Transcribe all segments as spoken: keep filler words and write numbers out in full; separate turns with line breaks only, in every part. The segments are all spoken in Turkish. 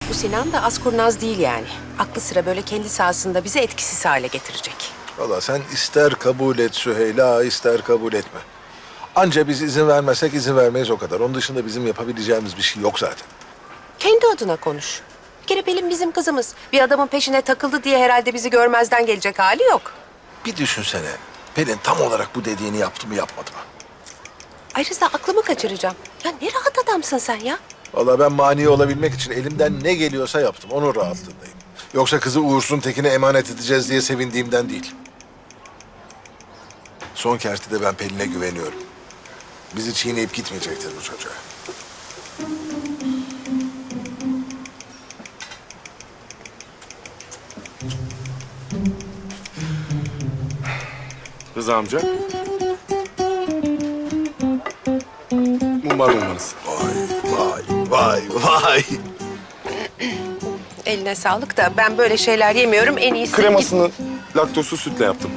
Bu Sinan da az kurnaz değil yani. Aklı sıra böyle kendi sahasında bizi etkisiz hale getirecek.
Vallahi sen ister kabul et Süheyla, ister kabul etme. Anca biz izin vermezsek izin vermeyiz o kadar. Onun dışında bizim yapabileceğimiz bir şey yok zaten.
Kendi adına konuş. Bir kere Pelin bizim kızımız. Bir adamın peşine takıldı diye herhalde bizi görmezden gelecek hali yok.
Bir düşünsene. Pelin tam olarak bu dediğini yaptı mı yapmadı mı?
Ayrıca aklımı kaçıracağım. Ya ne rahat adamsın sen ya.
Vallahi ben mani olabilmek için elimden ne geliyorsa yaptım. Onun rahatlığındayım. Yoksa kızı uğursuzun tekine emanet edeceğiz diye sevindiğimden değil. Son kertede ben Pelin'e güveniyorum. Bizi çiğneyip gitmeyecektir bu çocuğa.
Rıza amca. Mumbar mumbarız.
Vay, vay, vay.
Eline sağlık da ben böyle şeyler yemiyorum. En iyisi...
Kremasını laktozsuz sütle yaptım.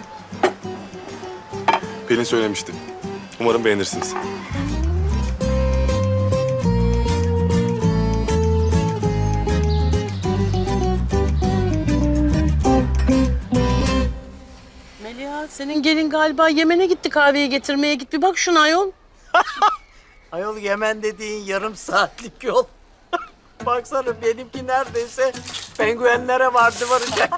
Pelin söylemişti. Umarım beğenirsiniz.
Meliha, senin gelin galiba Yemen'e gitti, kahveyi getirmeye git. Bir bak şuna ayol.
Ayol Yemen dediğin yarım saatlik yol. Baksana benimki neredeyse penguenlere vardı varacak.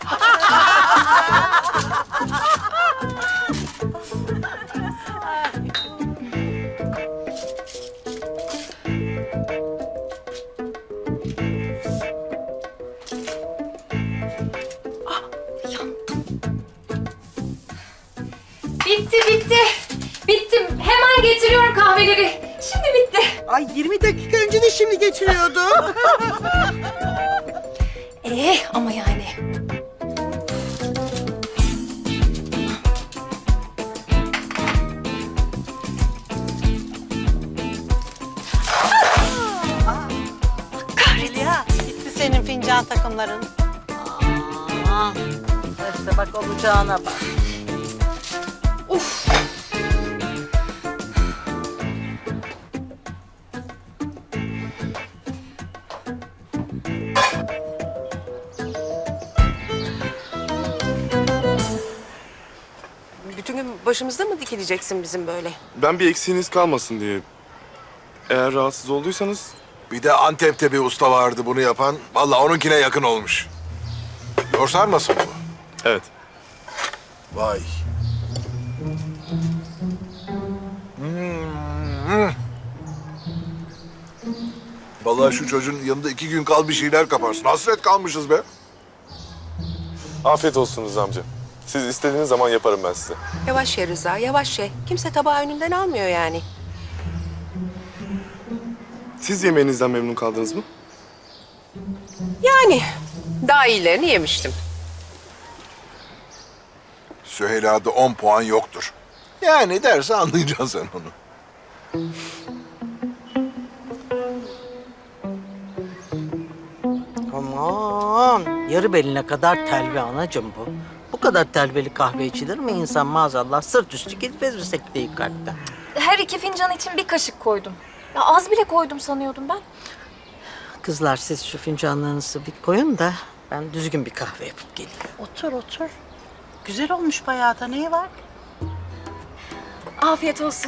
Bitti bitti. Bittim. Hemen getiriyorum kahveleri. Şimdi bitti.
Ay yirmi dakika önce de şimdi geçiriyordu.
Ee ama yani.
Meliha, gitti senin fincan takımların.
Aa, işte bak olacağına bak.
Uf.
Bütün gün başımızda mı dikileceksin bizim böyle?
Ben bir eksiğiniz kalmasın diye. Eğer rahatsız olduysanız
Bir de Antep'te bir usta vardı bunu yapan. Vallahi onunkine yakın olmuş. Doğru sarmasın bu?
evet.
Vay. Hmm. Vallahi şu çocuğun yanında iki gün kal bir şeyler kaparsın. Hasret kalmışız be.
Afiyet olsun Rıza amca. Siz istediğiniz zaman yaparım ben size.
Yavaş ye Rıza, yavaş ye. Kimse tabağı önünden almıyor yani.
Siz yemeğinizden memnun kaldınız mı?
Yani daha iyilerini yemiştim.
Süheyla'da on puan yoktur. Yani derse anlayacaksın sen onu.
Aman yarı beline kadar telve anacığım bu. Bu kadar telveli kahve içilir mi insan maazallah sırt üstü gidip verir sekteyi kalpten.
Her iki fincan için bir kaşık koydum. Ya az bile koydum sanıyordum ben.
Kızlar siz şu fincanlarınızı bir koyun da ben düzgün bir kahve yapıp geleyim.
Otur, otur. Güzel olmuş bayağı da, neyi var?
Afiyet olsun.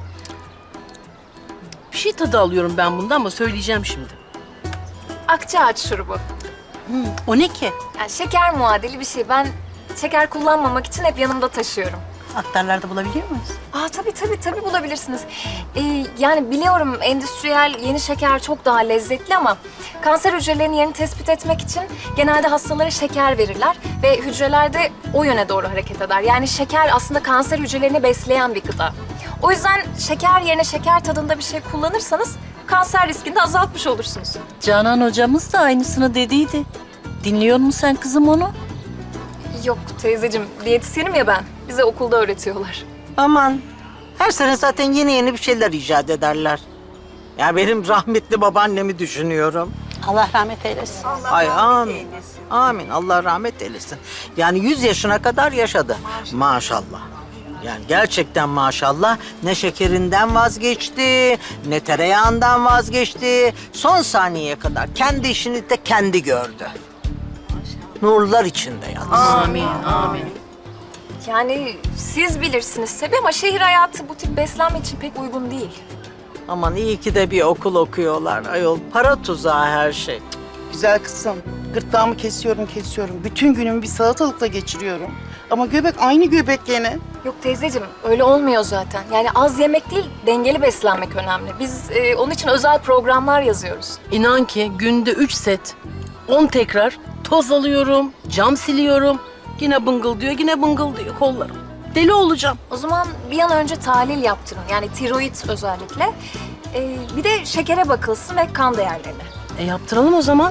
Bir şey tadı alıyorum ben bundan ama söyleyeceğim şimdi.
Akçaağaç şurubu.
O ne ki?
Yani şeker muadili bir şey. Ben şeker kullanmamak için hep yanımda taşıyorum.
Aktarlarda bulabiliyor muyuz?
Aa tabii tabii tabii bulabilirsiniz. Ee, yani biliyorum endüstriyel yeni şeker çok daha lezzetli ama kanser hücrelerinin yerini tespit etmek için genelde hastalara şeker verirler ve hücreler de o yöne doğru hareket eder. Yani şeker aslında kanser hücrelerini besleyen bir gıda. O yüzden şeker yerine şeker tadında bir şey kullanırsanız kanser riskini de azaltmış olursunuz.
Canan hocamız da aynısını dediydi. Dinliyor musun sen kızım onu?
Yok teyzeciğim, diyetisyenim ya ben. Bize okulda öğretiyorlar.
Aman her sene zaten yeni yeni bir şeyler icat ederler. Ya benim rahmetli babaannemi düşünüyorum.
Allah rahmet eylesin.
Ay amin. Amin. Allah rahmet eylesin. Yani yüz yaşına kadar yaşadı. Maşallah. Yani gerçekten maşallah ne şekerinden vazgeçti, ne tereyağından vazgeçti. Son saniyeye kadar kendi işini de kendi gördü. Nurlar içinde yalnız.
Amin, amin.
Yani siz bilirsiniz tabii ama şehir hayatı bu tip beslenme için pek uygun değil.
Aman iyi ki de bir okul okuyorlar ayol. Para tuzağı her şey.
Güzel kızım, gırtlağımı kesiyorum kesiyorum. Bütün günümü bir salatalıkla geçiriyorum. Ama göbek aynı göbek gene.
Yok teyzeciğim öyle olmuyor zaten. Yani az yemek değil dengeli beslenmek önemli. Biz e, onun için özel programlar yazıyoruz.
İnan ki günde üç set, on tekrar toz alıyorum, cam siliyorum. Yine bıngıl diyor, yine bıngıl diyor kollarım. Deli olacağım.
O zaman bir an önce tahlil yaptırın. Yani tiroid özellikle. E, bir de şekere bakılsın ve kan değerlerine.
E yaptıralım o zaman.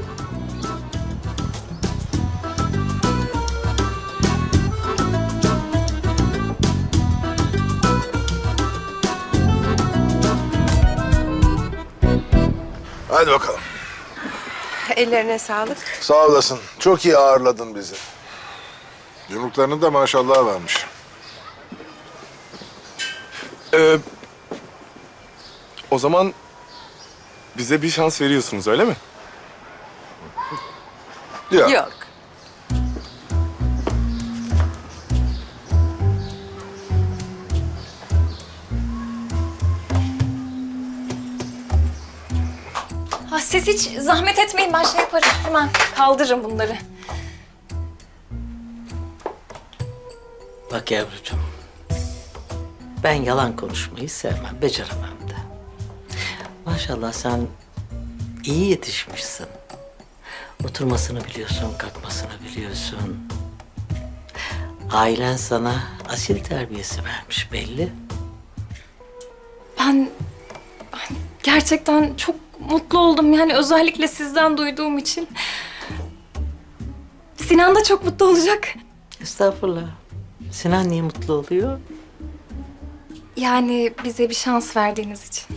Hadi bakalım.
Ellerine sağlık.
Sağ olasın. Çok iyi ağırladın bizi. Yumruklarının da maşallah varmış.
Ee, o zaman bize bir şans veriyorsunuz öyle mi?
Ya.
Yok.
Ha, siz hiç zahmet etmeyin ben şey yaparım. Hemen kaldırırım bunları.
Bak yavrucuğum, ben yalan konuşmayı sevmem, beceremem de. Maşallah sen iyi yetişmişsin. Oturmasını biliyorsun, kalkmasını biliyorsun. Ailen sana asil terbiyesi vermiş belli.
Ben, ben gerçekten çok mutlu oldum. Yani özellikle sizden duyduğum için. Sinan da çok mutlu olacak.
Estağfurullah. Sinan niye mutlu oluyor?
Yani bize bir şans verdiğiniz için.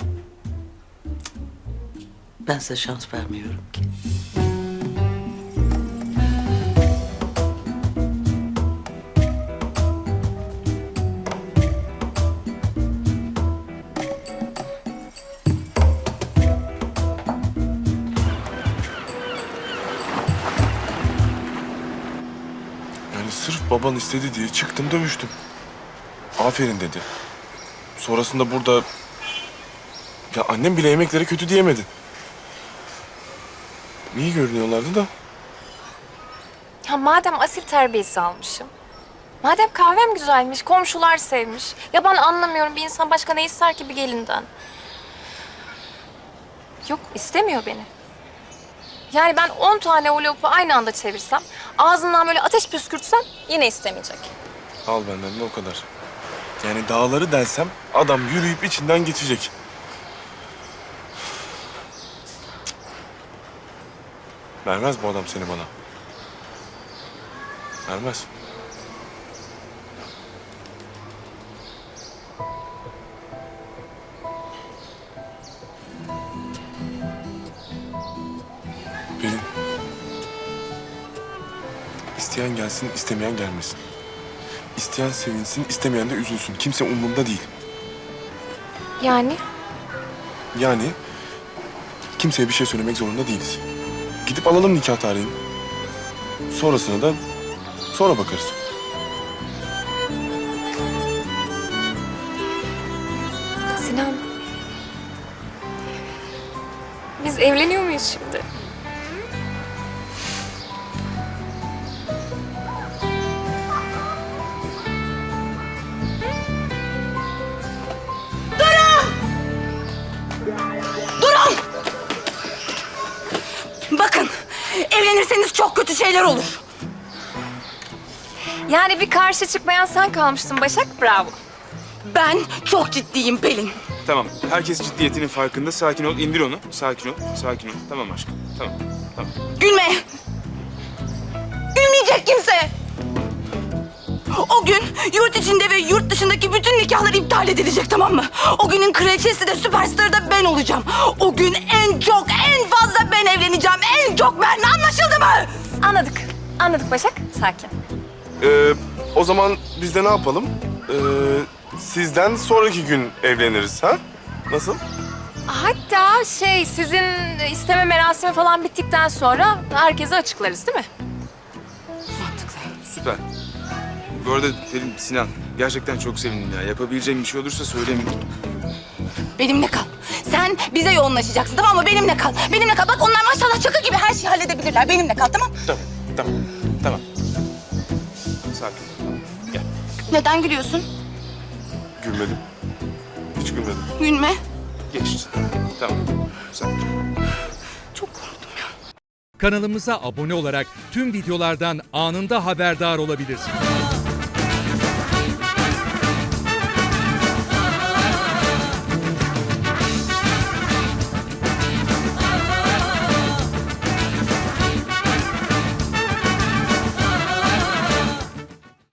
Ben size şans vermiyorum ki.
Yani sırf baban istedi diye çıktım dövüştüm. Aferin dedi. Sonrasında burada... Ya annem bile yemeklere kötü diyemedi. İyi görünüyorlardı da.
Ya madem asil terbiyesi almışım. Madem kahvem güzelmiş, komşular sevmiş. Ya ben anlamıyorum bir insan başka ne ister ki bir gelinden. Yok istemiyor beni. Yani ben on tane o lopu aynı anda çevirsem, ağzından böyle ateş püskürtsem yine istemeyecek.
Al benden de o kadar. Yani dağları delsem adam yürüyüp içinden geçecek. Vermez bu adam seni bana. Vermez. Pelin. İsteyen gelsin, istemeyen gelmesin. İsteyen sevinsin, istemeyen de üzülsün. Kimse umurunda değil.
Yani?
Yani kimseye bir şey söylemek zorunda değiliz. Gidip alalım nikah tarihini. Sonrasına da sonra bakarız.
Sinan. Biz evleniyor muyuz şimdi?
Bakın, evlenirseniz çok kötü şeyler olur.
Yani bir karşı çıkmayan sen kalmıştın Başak, bravo.
Ben çok ciddiyim Pelin.
Tamam. Herkes ciddiyetinin farkında. Sakin ol. İndir onu. Sakin ol. Sakin ol. Tamam aşkım. Tamam. Tamam.
Gülme. Gülmeyecek kimse. O gün yurt içinde ve yurt dışındaki bütün nikahlar iptal edilecek, tamam mı? O günün kraliçesi de süperstarı da ben olacağım. O gün en çok, en fazla ben evleneceğim. En çok ben. Anlaşıldı mı?
Anladık. Anladık Başak. Sakin.
Ee, o zaman biz de ne yapalım? Ee, sizden sonraki gün evleniriz ha? Nasıl?
Hatta şey sizin isteme merasimi falan bittikten sonra herkese açıklarız değil mi?
Süper. Bu arada Pelin, Sinan, gerçekten çok sevindim ya. Yapabileceğim bir şey olursa söyleyin.
Benimle kal. Sen bize yoğunlaşacaksın tamam mı? Benimle kal. Benimle kal. Bak onlar maşallah çakı gibi her şeyi halledebilirler. Benimle kal tamam?
Tamam, tamam, tamam. Sakin ol. Tamam. Gel.
Neden gülüyorsun?
Gülmedim. Hiç gülmedim.
Gülme.
Geçti. Tamam. Sakin ol.
Çok korktum ya.
Kanalımıza abone olarak tüm videolardan anında haberdar olabilirsiniz.